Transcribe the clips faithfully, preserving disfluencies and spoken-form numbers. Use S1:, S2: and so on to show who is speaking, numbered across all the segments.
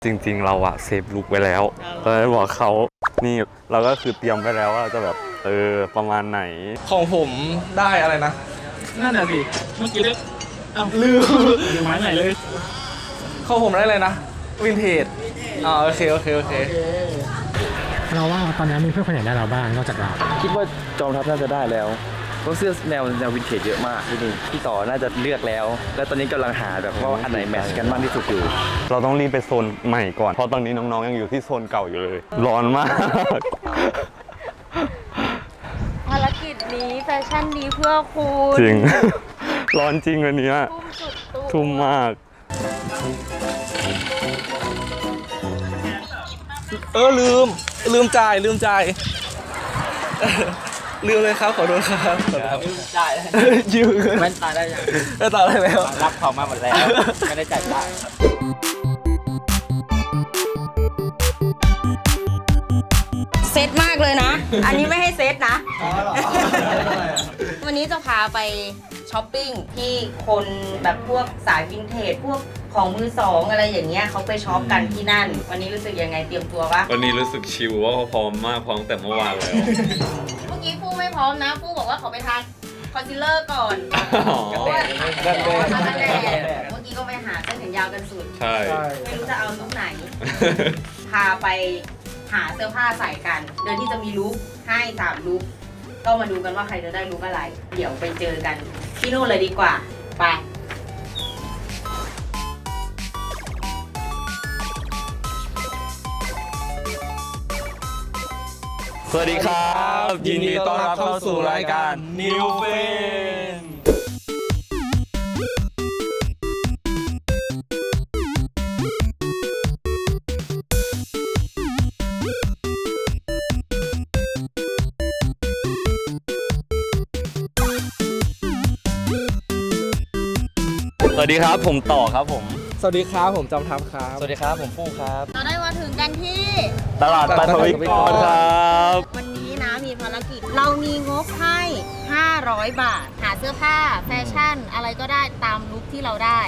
S1: จริงๆเราอะเซฟลุกไว้แล้วก็เลยบอกเขานี่เราก็คือเตรียมไว้แล้วว่าจะแบบเออประมาณไหน
S2: ของผมได้อะไรนะ
S3: นั่นแหละสิเมื่อกี้ได้อ้าวลืมลืมไม้ไหนเลย
S2: ของผมได้เลยนะวินเทจอ่าโอเคโอเคโอเค
S3: เราว่าตอนนี้มีเพื่อนคนไหนได้เราบ้างนอกจากเรา
S4: คิดว่าจอมทัพน่าจะได้แล้วเพราะเสื้อแนวแนววินเทจเยอะมากที่นี่พี่ต่อน่าจะเลือกแล้วแล้วตอนนี้กำลังหาแบบว่าอันไหนแมทช์กันมากที่สุดอยู่
S1: เราต้องรีบไปโซนใหม่ก่อนเพราะตอนนี้น้องๆยังอยู่ที่โซนเก่าอยู่เลยร้อนมาก
S5: ภารกิจนี้แฟชั่นดีเพื่อคุณ
S1: จริงร้อนจริงวันนี้
S5: ทุ่มสุดตัว
S1: ทุ่มมาก
S2: เออลืมลืมจ่ายลืมจ่ายลืมเลยครับขอโทษครับ
S3: ลืมจ่าย
S2: ยืม
S3: แว่นตาได้ยัง
S2: แว่นตาได้แล้ว
S3: รับของมาหมดแล้วไม่ได้จ่ายตังค์
S5: เซตมากเลยนะอันนี้ไม่ให้เซตนะวันนี้จะพาไปช้อปปิ้งที่คนแบบพวกสายวินเทจพวกของมือสองอะไรอย่างเงี้ยเขาไปช็อปกันที่นั่นวันนี้รู้สึกยังไงเตรียมตัวปะ
S1: วันนี้รู้สึกชิลว่าเขาพร้อมมากพร้อมแต่เมื่อวานแล้ว
S5: เมื่อกี้ฟูไม่พร้อมนะฟูบอกว่าขอไปทานคอนซีลเลอร์ก่อน
S2: กันแดดกันแดด
S5: กันแดดเมื่อกี้ก็ไปหาเส้นแขนยาวกันสุด
S1: ใช่
S5: ไม่รู้จะเอาลุคไหนพาไปหาเสื้อผ้าใส่กันโดยที่จะมีลุคให้สามลุคก็มาดูกันว่าใครจะได้ลุคอะไร เดี๋ยวไปเจอกันที่นู่นเลยดีกว่าไป
S1: สวัสดีครับ
S2: ยินดีต้อนรับเข้าสู่รายการ New Friend
S1: สวัสดีครับผมต่อครับผม
S2: สวัสดีครับผมจอมทัพครับ
S4: สวัสดีครับผมฟู่ครับ
S5: เราได้มาถึงกันที่
S1: ตลาดปฐวิกรครับ
S5: วันนี้นะมีภารกิจเรามีงบให้ห้าร้อยบาทหาเสื้อผ้าแฟชั่นอะไรก็ได้ตามลุคที่เราได้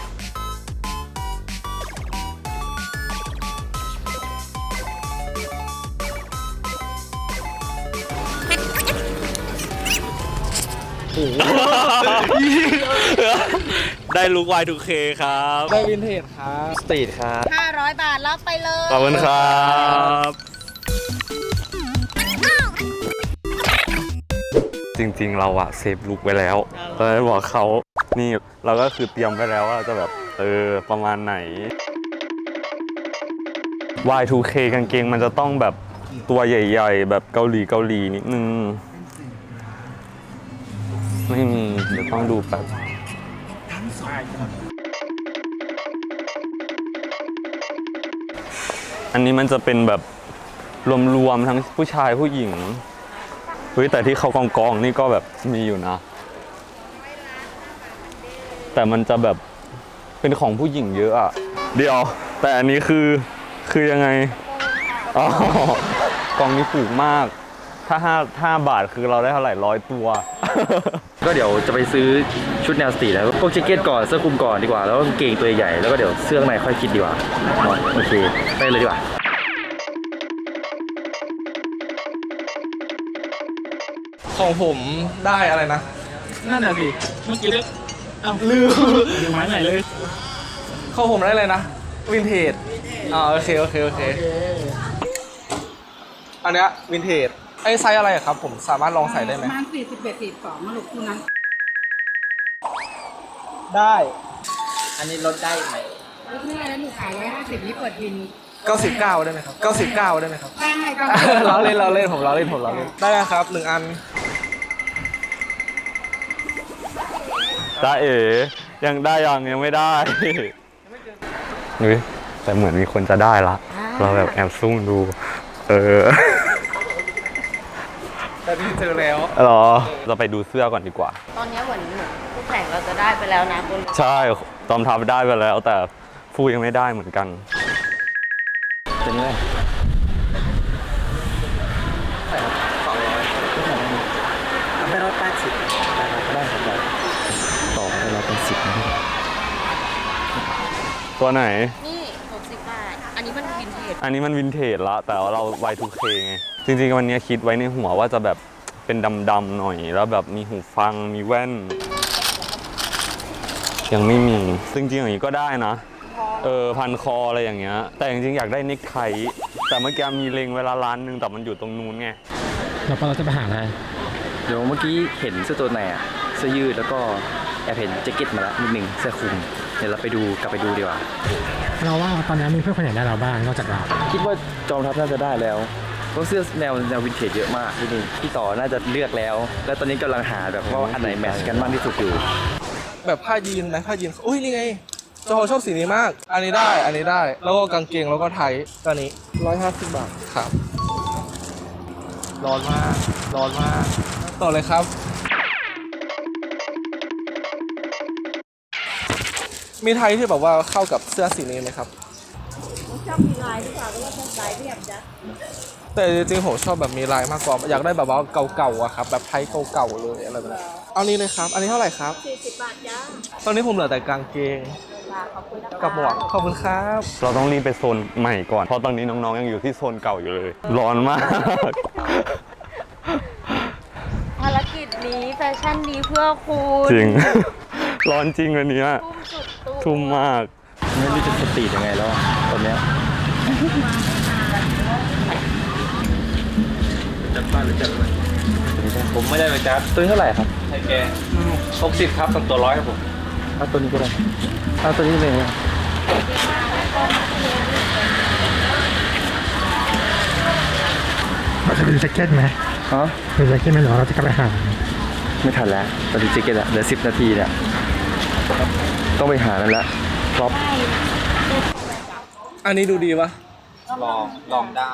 S1: ได้ลุค วาย ทู เค ครับ
S2: ได้วินเทจครับ
S4: สตรีทครับ
S5: ห้าร้อยบาทรับไปเลย
S1: ขอบคุณครับจริงๆเราอะเซฟลุกไว้แล้วก็เลยบอกเขานี่เราก็คือเตรียมไว้แล้วว่าจะแบบเออประมาณไหน วาย ทู เค กางเกงมันจะต้องแบบตัวใหญ่ๆแบบเกาหลีเกาหลีนิดนึงไม่มีเดี๋ยวต้องดูแบบอันนี้มันจะเป็นแบบรวมๆทั้งผู้ชายผู้หญิงเฮ้ยแต่ที่เขากองกองนี่ก็แบบมีอยู่นะแต่มันจะแบบเป็นของผู้หญิงเยอะอะเดี๋ยวแต่อันนี้คือคือยังไงอ๋อกองนี้ถูกมากถ้าห้าห้าบาทคือเราได้เท่าไหร่ร้อยตัว
S4: ก็เดี๋ยวจะไปซื้อชุดแนวสตรีทแล้วพวกแจ็คเก็ตก่อนเสื้อคลุมก่อนดีกว่าแล้วก็กางเกงตัวใหญ่แล้วก็เดี๋ยวเสื้อในค่อยคิดดีกว่าโอเคไปเลยดีกว่า
S2: ของผมได้อะไรนะ
S3: นั่นแหละสิเมื่อกี้ได้อ้าวลืมลืมไม้ไหนเลย
S2: ของผมได้เลยนะวินเทจอ่าโอเคโอเคโอเคอันเนี้ยวินเทจไอ้ไซส์อะไรครับผมสามารถลองใส่ได้ไหม
S6: ประมาณสี่สิบเอ็ดสี่สิบสองมาลูกคู่นั้น
S2: ได้
S3: อันนี้ลดได้ไหม
S6: ลดไม่ได้แล้วหนูขายร้อยห้าสิบนี้เปิดบิน
S2: เก้าสิบเก้าได้ไหมครับเก้าสิบเก้าได้ไหมครับ
S6: ได้ก็
S2: เราเล่นเราเล่นผมเราเล่นผมเราเล่นได้ครับหนึ่งอัน
S1: จ้าเอ๋ยังได้ยังยังไม่ได้เฮ้ยแต่เหมือนมีคนจะได้ละเราแบบแอบซุ่มดูเออ
S2: แต่นี่เจอแล้ว
S1: หรอเราไปดูเสื้อก่อนดีกว่า
S5: ตอนนี้เหมือนคู่แข่งเราจะได้ไปแล้วนะคุณ
S1: ใช่ตอมทัพได้ไปแล้วแต่ฟูยังไม่ได้เหมือนกัน
S4: เป็นไงได้ร้อยแปดสิบได้ครับต่อได้ร้อยแปดสิบ
S1: ตัวไหน
S5: นี่หกสิบบาทอันนี้มันวินเทจ
S1: อันนี้มันวินเทจละแต่ว่าเรา วาย ทู เค ไง จริงๆวันนี้คิดไว้ในหัวว่าจะแบบเป็นดำๆหน่อยแล้วแบบมีหูฟังมีแว่น ยังไม่มีจริงๆอย่างนี้ก็ได้นะเออพันคออะไรอย่างเงี้ยแต่จริงๆอยากได้เน็กไทแต่เมื่อกี้มีเลงเวลาร้านนึงแต่มันอยู่ตรงนู้นไง
S3: เราพอเราจะไปหาอะไร
S4: เดี๋ยวเมื่อกี้เห็นเสื้อตัวไหนอะเสื้อยืดแล้วก็แอบเห็นแจ็คเก็ตมาแล้วนิดหนึ่งเสื้อคลุมเดี๋ยวเราไปดูกลับไปดูดีกว่า
S3: เราว่าตอนนี้มีเพื่อนคนไหนได้เราบ้างนอกจากเรา
S4: คิดว่าจอมทัพน่าจะได้แล้วเพราะเสื้อแนวแนววินเทจเยอะมากที่นี่พี่ต่อน่าจะเลือกแล้ว แล้วตอนนี้กำลังหาแบบว่าอันไหนแมทช์กันมากที่สุดอยู่
S2: แบบผ้ายีนนะผ้ายีนอุ้ยนี่ไงจอชอบสีนี้มาก อันนี้ได้อันนี้ได้แล้วก็กางเกงแล้วก็ไทยตัวนี้ร้อยห้าสิบบาทครับร้อนมากร้อนมากต่อเลยครับ มีไทยที่แบบว่าเข้ากับเสื้อสีนี้ไหมครับชอบมีลายหรือเปล่าหรือว่าเป็นลายเรียบจ้ะแต่จริงๆผมชอบแบบมีลายมากกว่าอยากได้แบบว่าเก่าๆอะครับแบบไทยเก่าๆเลยอะไรแบบนี้เอานี้เลยครับ อันนี้เท่าไหร่ครับสี่สิบบาทจ้าตอนนี้ผมเหลือแต่กางเกงกับหมวกขอบคุณครับ
S1: เราต้องรีบไปโซนใหม่ก่อนเพราะตอนนี้น้องๆยังอยู่ที่โซนเก่าอยู่เลยร้อนมาก
S5: ภารกิจนี้แฟชั่นดีเพื่อคุณ
S1: จริง ร้อนจริงวันนี้
S5: ทุ่มสุดตัว
S1: ทุ่มมาก
S4: ไม่รู้จะสตรีทยังไงแล้วตอนเนี้ยจัดบ้านหรือจัดอะไรผมไม่ได้ไปจัดตัวนี้เท่าไหร่ครับให้แกหกสิบครับตั้งตัวร้อยครับผมเอาตัวนี้ก็ได้เอาตัวนี้เลย
S3: เราจะไปดูแจ็คเก็ตไหม
S4: ฮะ
S3: ดูแจ็คเก็ตไหมหรือว่าเราจะกลับไปหา
S4: ไม่ทันแล้วตอนนี้เจ๊เก็ตอะเหลือสิบนาทีเนี่ยต้องไปหานั่นละครอป
S2: อันนี้ดูดีปะ
S4: ลองลองได้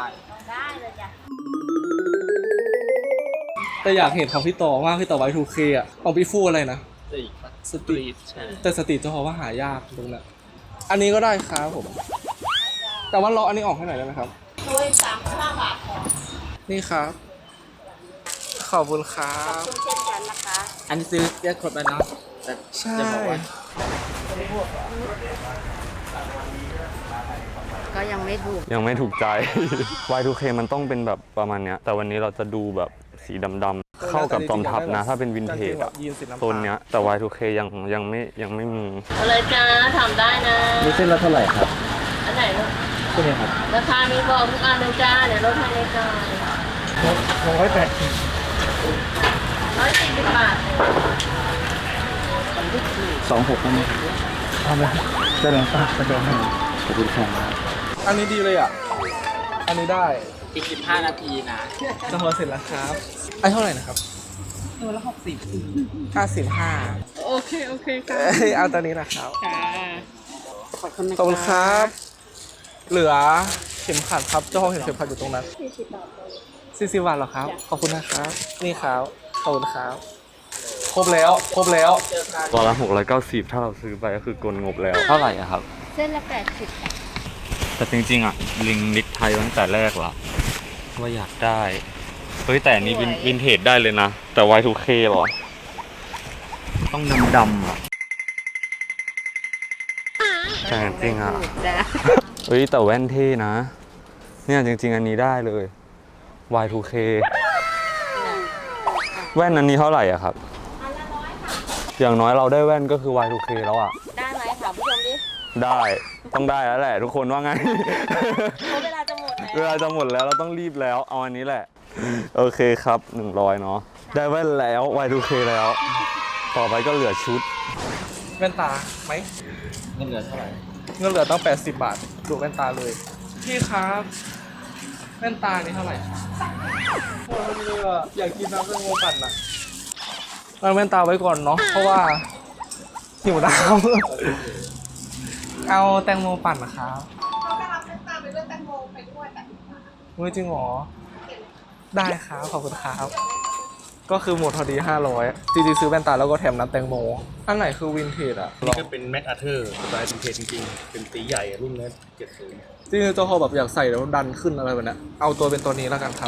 S2: แต่อยากเห็นของพี่ต่อมากพี่ต่อไว้ ทู เค อ่ะของพี่ฟูอะไรนะสตรีทแต่สตรีทจะพอว่าหายากตรงนั้นอันนี้ก็ได้ครับผม แต่ว่าล้ออันนี้ออกให้หน่อยได้ไหมครับโดยสามสิบห้าบาทนี่ครับ ขอบคุณครับ
S6: เช่นกันนะคะ
S2: อันนี้ซื้อแยกขวดไปนะใช่
S5: ก็ยังไม่ถูก
S1: ยังไม่ถูกใจ วาย ทู เค มันต้องเป็นแบบประมาณเนี้ยแต่วันนี้เราจะดูแบบสีดำๆเข้ากับจอมทัพนะ ถ้าเป็นวินเทจอะ
S2: ยีนสีน้ำ
S1: โซนเนี้ยแต่ วาย ทู เค ยังยังไม่ยังไม่มี
S5: เอาเลยจ้าทำได้นะ
S4: นี่เส้นละเท่าไหร่ครับ
S5: อันไหนลูก
S4: เส้นนี้ครับ
S5: ราคามีบอกทุกอันเลยจ้า เดี๋ยวลดให้เลยจ้า
S3: ร้อยแปดสิบ
S5: ร้อยสี่สิบบาท
S4: สองหกไหม
S3: เอาเลยจะเดินป่ะจะเดินให้
S4: ขอบคุณครับ
S2: อันนี้ดีเลยอ่ะ อันนี้ได้
S3: อีกสิบห้านาทีนะ
S2: จะพอเสร็จแล้วครับไอ้เท่าไหร่นะครับ
S6: ตัวละหกสิบ
S2: ห้าสิบห้า
S6: โอเค โอเคค่ะ
S2: เอ้ยเอาตัวนี้นะครับ
S6: ค่ะขอบคุณนะ
S2: ขอบคุณครับ เหลือเข็มขัดครับ เจ้าของเห็นเข็มขัดอยู่ตรงนั้น
S6: สี่สิบบาท
S2: สี่สิบบาทเหรอครับ ขอบคุณนะครับ นี่ครับ ขอบคุณครับ ครบแล้ว ครบแล้ว
S1: ตัวละหกร้อยเก้าสิบถ้าเราซื้อไปก็คือกลงบแล้ว
S4: เท่าไหร่อะครับ
S5: เส้นละแปดสิบ
S1: แต่จริงๆอ่ะลิงนิกไทยตั้งแต่แรกละว่าอยากได้เฮ้ยแต่อันนี้วินวินเทจได้เลยนะ แต่ วาย ทู เค หรอ ต้องดำๆอ่ะแต่จริงอ่ะ
S5: จ้า
S1: เฮ้ยแต่แว่นเท่นะ เนี่ยจริงๆอันนี้ได้เลย วาย ทู เค แว่นอันนี้เท่าไหร่อ่ะครับ อย่างน้อยเราได้แว่นก็คือ วาย ทู เค แล้วอ่ะ
S5: ได้ไหมถามผู้ชมดิ
S1: ได้ต้องได้แล้วแหละทุกคนว่าไง
S5: เพราะเวลาจะหมดแล้ว
S1: เวลาจะหมดแล้วเราต้องรีบแล้วเอาอันนี้แหละ โอเคครับหนึ่งร้อยเนาะได้แว่นแล้ว วาย ทู เค แล้ว ต่อไปก็เหลือชุด
S2: แว่นตาไหม
S4: เงินเหลือเท่าไหร่
S2: เงินเหลือตั้งแปดสิบบาทดูแว่นตาเลย พี่ครับ แว่นตานี่เท่าไหร่โอ้ยเลยอ่ะอยากกินน้ำแตงโมปั่นอ่ะเอาแว่นตาไว้ก่อนเนาะ เพราะว่าหิวน้ำ เอาแตงโมปั่นนะครับเขาจะรับแว่นตาไปด้วยแตงโมไปด้วยแต่เฮ้ยจริงเหรอ ได้ครับ ขอบคุณครับ ก็คือหมดพอดีห้าร้อยจริงๆซื้อแว่นตาแล้วก็แถมน้ำแตงโม อันไหนคือวินเทจอ่ะ
S7: นี่ก็เป็นแม็กอาเธอร์สไตล์วินเทจจริงๆ เป็นตีใหญ่อะรุ่นนี้เจ็ดศูนย์
S2: จริงๆเจ้าเขาแบบอยากใส่แล้วดันขึ้นอะไรแบบนี้เอาตัวเป็นตัวนี้แล้วกันครับ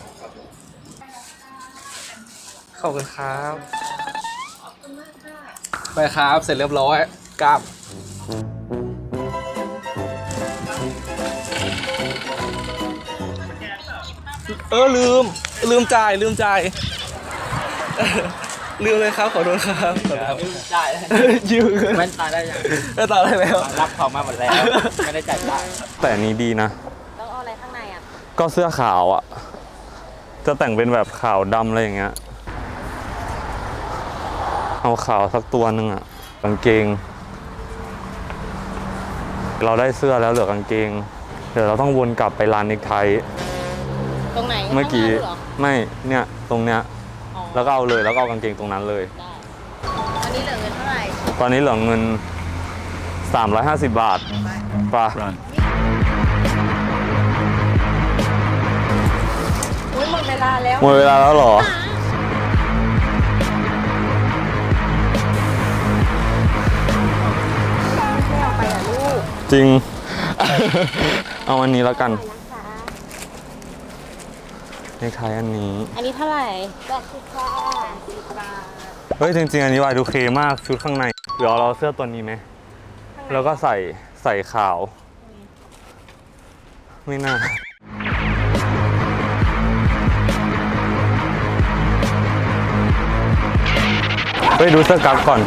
S2: ขอบคุณครับ ไปครับ เสร็จเรียบร้อยกลับเออลืมลืมจ่ายลืมจ่ายลืมเลยครับขอโทษครับขอโทษครับ
S3: จ่าย
S2: ยืม
S3: แว่นตาได้ยัง
S2: ไม่ต่ออะไรแล้ว
S3: รับเขามาหมดแล้ว ไม่ได้จ่ายตังค์
S1: แต่อันนี้ดีนะ
S5: แล้วเอาอะไรข้างในอ่ะ
S1: ก็เสื้อขาวอ่ะ จะแต่งเป็นแบบขาวดำอะไรอย่างเงี้ย เอาขาวสักตัวหนึ่งอ่ะ กางเกง เราได้เสื้อแล้วเหลือกางเกง เดี๋ยวเราต้องวนกลับไปร้านเนคไท
S5: ตรงไหน
S1: เมื่อกี้
S5: ข้างหน้าเหรอ
S1: ไม่ เนี่ย ตรงเนี้ย
S5: อ๋อ
S1: แล้วก็เอาเลย แล้วก็เอากางเกงตรงนั้นเลย
S5: ได้อันนี้เหลือเงินเท่าไหร่
S1: ตอนนี้เหลือเงิน สามร้อยห้าสิบบาทป่ะ
S5: อุ้ยหมดเวลาแล้ว
S1: หมดเวลาแล้วเหรอ
S5: ไม่เอาไปอ่ะลูก
S1: จริง เอาอันนี้แล้วกันเนคไทอันนี้
S5: อันนี้เท่าไหร่แปดสิบค่ะ
S1: เฮ้ย จริง ๆ อันนี้วายดูเคมากชุดข้างในเดี๋ยวเราเอาเสื้อตัวนี้ไหม แล้วก็ใส่ใส่ขาว ไม่น่า ไปดูเสื้อกั๊กก่อน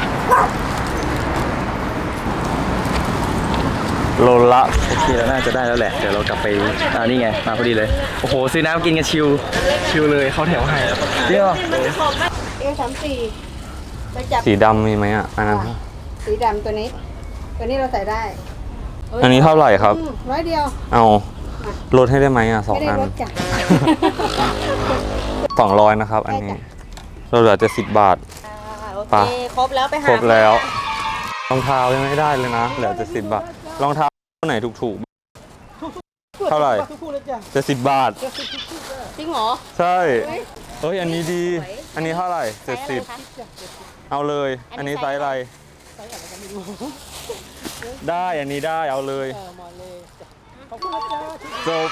S1: โลละ
S4: โอเคแล้วน่าจะได้แล้วแหละ เดี๋ยวเรากลับไปอ่านี่ไง มาพอดีเลย โอ้โห ซื้อน้ำกินกันชิว
S2: ชิวเลยเขาแถวให้
S4: เดี๋ยว
S6: เอสามสี่ไปจับ
S1: สีดำมีไหมอ่ะ อันนั้น
S6: สีดำตัวนี้ ตัวนี้เราใส่ได้
S1: อันนี้เท่าไหร่ครับ
S6: อืมร้อยเดียว
S1: เอาลดให้ได้ไหมอ่ะสอง
S6: ไม่ได้
S1: อัน
S6: ลดจ้ะ
S1: สองร้อยนะครับ อันนี้ เราเหลือจะสิบบาท
S5: อ่าโอ
S1: ไป
S5: เค ครบแล้วไปหา
S1: ครบแล้ว รองเท้ายังไม่ได้เลยนะ เหลือจะสิบบาท รองเท้าไหนถูกๆ เท่าไหร่จะสิบบาท
S5: จริงเหรอ
S1: ใช่ เฮ้ย อันนี้ดี อันนี้เท่าไหร่เจ็ดสิบ
S5: ไซส์อะไรคะ
S1: เอาเลย
S5: อั
S1: อัน
S5: นนี้
S1: นี้ไซส์อะไร ได้ อันนี้ได้ เอาเลยจบ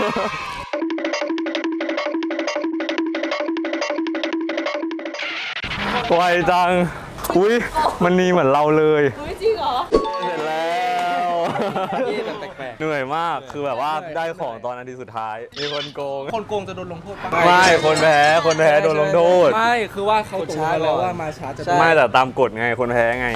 S1: ไวจัง อุ้ยมันนีเหมือนเราเลย
S5: เฮ้ยจริงเหรอ
S1: เสร็จแล้วเหนื่อยมาก คือแบบว่าได้ของตอนนาทีสุดท้าย มีคนโกง
S2: คนโกงจะโดนลงโทษปะ
S1: ไม่ คนแพ้ คนแพ้โดนลงโทษ
S2: ไม่คือว่าเขาตกลงกันแล้วว่ามาช้าจะโดน
S1: ไม่แต่ตามกฎไง คนแพ้ไง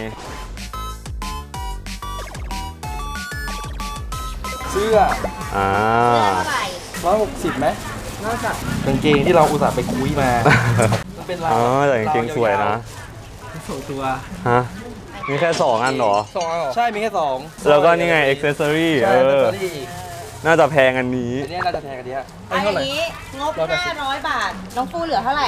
S2: เสื้อ
S1: อ่า
S5: เท่าไหร่
S2: ร้อยหกสิบไหมน่าจะกางเกงที่เราอุตส่าห์ไปคุยมามันเป็นลาย
S1: อ๋อแต่กางเกงสวยนะ
S2: สองตัว
S1: ฮะ มีแค่สองอันเหรอ
S2: สองอันเหรอใช่มีแค่สอง
S1: แล้วก็นี่ไง อ็อกเซสซอรี่
S2: ใช่
S1: เอ
S2: แล้ว
S1: อ
S2: ก็นี่อีก
S1: น่าจะแพงอันนี้
S2: อันนี้น่าจะแพงกันเนี้ย
S5: อันนี้งบห้าร้อยบาท น้องฟูเหลือเท่าไหร่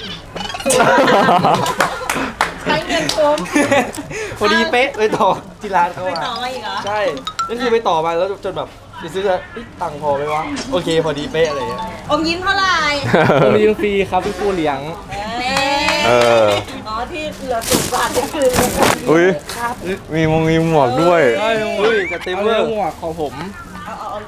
S5: ใช้เงินคุ้ม
S2: พอดีเป๊ะไปต่อที่ร้านเขา
S5: ไป
S2: อะ
S5: ต่อมาอีกเหรอ
S2: ใช่นั่นคือไปต่อมาแล้วจนแบบไปซื้อแล้วเอ๊ะตังค์พอไหมวะโอเคพอดีเป๊ะอะไรอย่างเงี้ย
S5: อมยิ้มเท่าไหร่
S2: ผมเลี้ยงฟรีครับพี่ฟูเลี้ยง
S5: นี่
S1: เออ
S5: อ๋อที่เหลือสิบบาทนี่คือ
S1: อุ้ย มีมงมีหมวกด้วย
S2: ใช่เฮ้ยจะเต็มเลยหมวกของผม
S5: เอาเอาเอา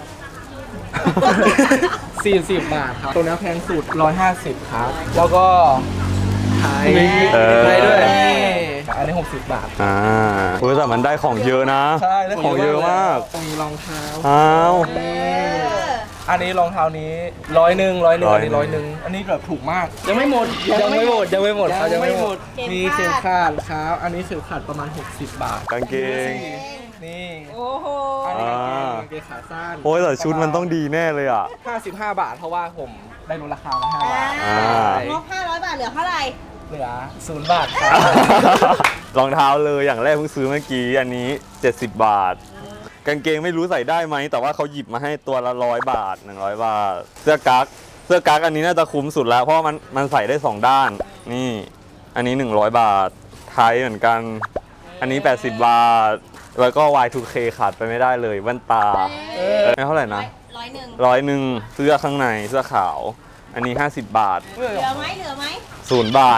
S2: สี่สิบบาทครับตัวนี้แพงสุดร้อยห้าสิบครับ แล้วก็ไทย
S1: เออ
S2: ไทยด้วยอันนี้หกสิบบาท
S1: อ่าอุ้ยแต่มันได้ของเยอะนะ
S2: ใช่ได้
S1: ของเยอะมาก
S2: มีรองเท้า
S1: อ้าว
S2: อันนี้รองเท้านี้ร้อยหนึ่งร้อยหนึ่ง
S1: ร้อ
S2: อั
S1: ย
S2: นนี้
S1: หนึ่ง
S2: ร้อยหนึ่งอันนี้แบบถูกมาก ยังไม่หมดยังไม่หมดยังไม่หมดครับยังไม่หมดมีเข็มขัดครับอันนี้เข็มขัดประมาณหกสิบบาท
S1: กางเกง
S2: นี่
S5: โอ้โห
S2: อันนี้กางเกง
S1: อ่า
S2: กางเกงขาสั้น
S1: โอ้ยแต่ชุดมันต้องดีแน่เลยอ่ะ
S2: ห้าสิบห้าบาทเพราะว่าผมได้ลดราคามาห้าบาท
S1: อ่า
S5: งบห้าร้อยบาทเหลือเท่าไหร่
S2: เหลือศูนย์บาทครับ
S1: รองเท้าเลยอย่างแรกเพิ่งซื้อเมื่อกี้อันนี้เจ็ดสิบบาท กางเกงไม่รู้ใส่ได้ไหมแต่ว่าเขาหยิบมาให้ตัวละร้อยบาทหนึ่งร้อยบาท เสื้อกั๊กเสื้อกั๊กอันนี้น่าจะคุ้มสุดแล้วเพราะว่ามันมันใส่ได้สองด้านนี่อันนี้หนึ่งร้อยบาทไทยเหมือนกัน อันนี้แปดสิบบาท แล้วก็ วาย ทู เค ขาดไปไม่ได้เลยแว่นตาไม่เท่าไหร่นะ
S5: ร้อยหนึ่ง
S1: ร้อยหนึ่งเสื้อข้างในเสื้อขาว อันนี้ห้าสิบบาท
S5: เหลือไหมเหลือไหม
S1: ศูนย์บาท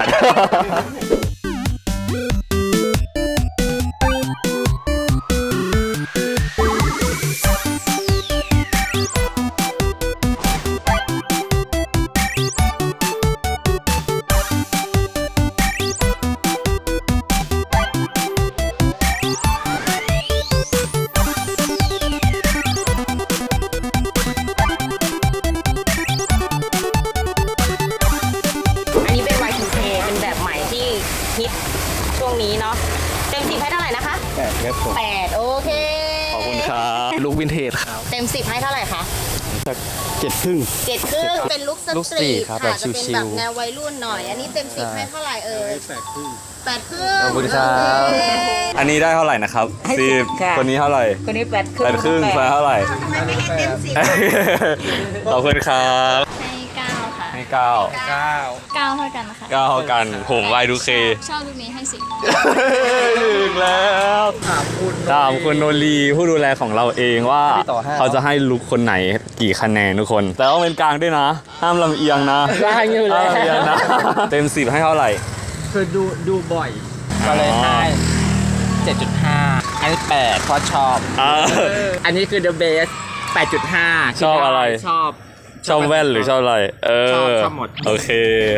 S2: เหตุครับ
S5: เต็มสิบให้เท่าไหร่คะ
S7: เจ็ดครึ่ง
S5: เจ็ดครึ่งเป็นลุคส
S7: ลุค
S5: ต
S7: สตรี
S5: รี
S7: ท
S5: ท
S7: ครับ
S5: ค่ะ
S7: แบบ
S5: จะเป็น
S7: ชิ
S5: แบ
S7: ล
S5: บ
S7: ๆ
S5: แนววัยรุ่นหน่อย อันนี้เต็มสิบให้เท่าไหร่เอ่ย
S7: แปดครึ่ง
S5: แปดครึ่ง
S7: ขอบคุณครับ
S5: โอเค
S1: อันนี้ได้เท่าไหร่นะครับ
S5: ให้
S1: สิ
S5: สิ
S1: บบ
S5: ค่ะ
S1: คนนี้เท่าไหร่
S5: คนนี้แปดครึ่ง
S1: แปดครึ่งแปดเท่าไหร่
S5: ทำไมไม่ให้เต็มสิบ
S1: ขอบคุณครับ
S8: ให้เก้าค่ะ
S1: ให้เก้า
S2: เก้า
S8: เก้าเท่ากันค่ะ
S1: เก้าเท่ากันผมวายดูเค
S8: ชอบลูกนี้ให้สิบ
S1: ถึงแล้วถามคุณถามคุณโนรีผู้ดูแลของเราเองว่า
S2: ต่อห้า
S1: เขาจะให้ลุกคนไหนกี่คะแนนทุกคน แต่ต้องเป็นกลางด้วยนะ ห้ามลำเอียงนะ
S2: ได้อยู่แล้ว
S1: ห้ามลำเอียงนะ เต็มสิบให้เท่าไหร่
S9: คือดูดูบ่อย ก็เลยให้ เจ็ดจุดห้า อันนี้แปดเพราะชอบ
S1: อ่า
S9: อันนี้คือ the best แปดจุดห้า
S1: ชอบอะไร
S9: ชอบ
S1: ชอบแว่นหรือชอบอะไร เออ
S9: ชอบชอบหมด
S1: โอเค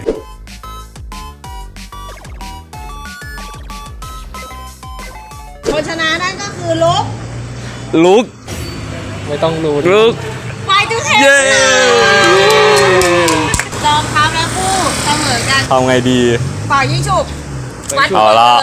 S5: คนชนะนั่นก็คือลุค
S1: ลุก
S2: ไม่ต้องรู้
S1: ลุก
S5: ไฟจูเทน
S1: เย้
S5: ลองทับและคู่เสมอกัน
S1: ทำไงดี
S5: เป่ายิงฉุบวัด
S1: เอาละ
S5: เลย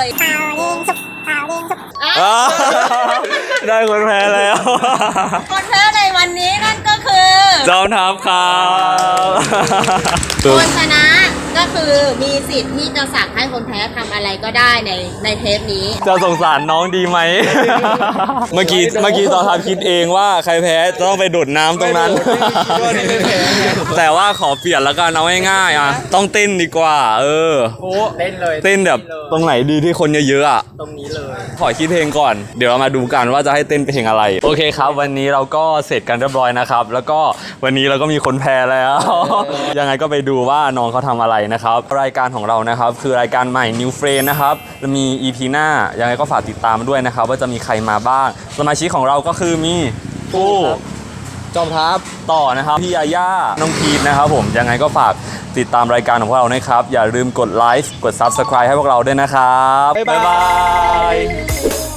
S1: อ้าวได้คนแพ้แล้ว
S5: คนแพ้ในวันนี้นั่นก็คือ
S1: จอมทัพครับ
S5: คนชนะก็คือมีสิทธิ์ที่จะสั่งให้คนแพ้ทำอะไรก็ได้ในในเทปนี้
S1: จะสงสารน้องดีไหม เมื่อกี้เมื่อกี้ตอนทำคิดเองว่าใครแพ้จะต้องไปโดดน้ำตรงนั้น แต่ว่าขอเปลี่ยนแล้วกันเอาง่ายๆอ่ะ ต้องเต้นดีกว่า เออ
S9: เล่นเลย
S1: เต้นแบบตรงไหนดีที่คนเยอะๆอ่ะ
S9: ตรงนี้เลย
S1: ขอคิดเพลงก่อน เดี๋ยวเรามาดูกันว่าจะให้เต้นเพลงอะไร โอเคครับ วันนี้เราก็เสร็จกันเรียบร้อยนะครับ แล้วก็วันนี้เราก็มีคนแพ้แล้ว ยังไงก็ไปดูว่าน้องเขาทำอะไรนะครับ รายการของเรานะครับคือรายการใหม่ New Friend นะครับจะมี อี พี หน้า ยังไงก็ฝากติดตามด้วยนะครับ ว่าจะมีใครมาบ้าง สมาชิกของเราก็คือมีผู้
S2: จอมทัพ
S1: ต่อนะครับพี่ยาย่าน้องพีทนะครับผมยังไงก็ฝากติดตามรายการของพวกเรานะครับ อย่าลืมกดไลค์กด Subscribe ให้พวกเราด้วยนะครับ บ๊ายบาย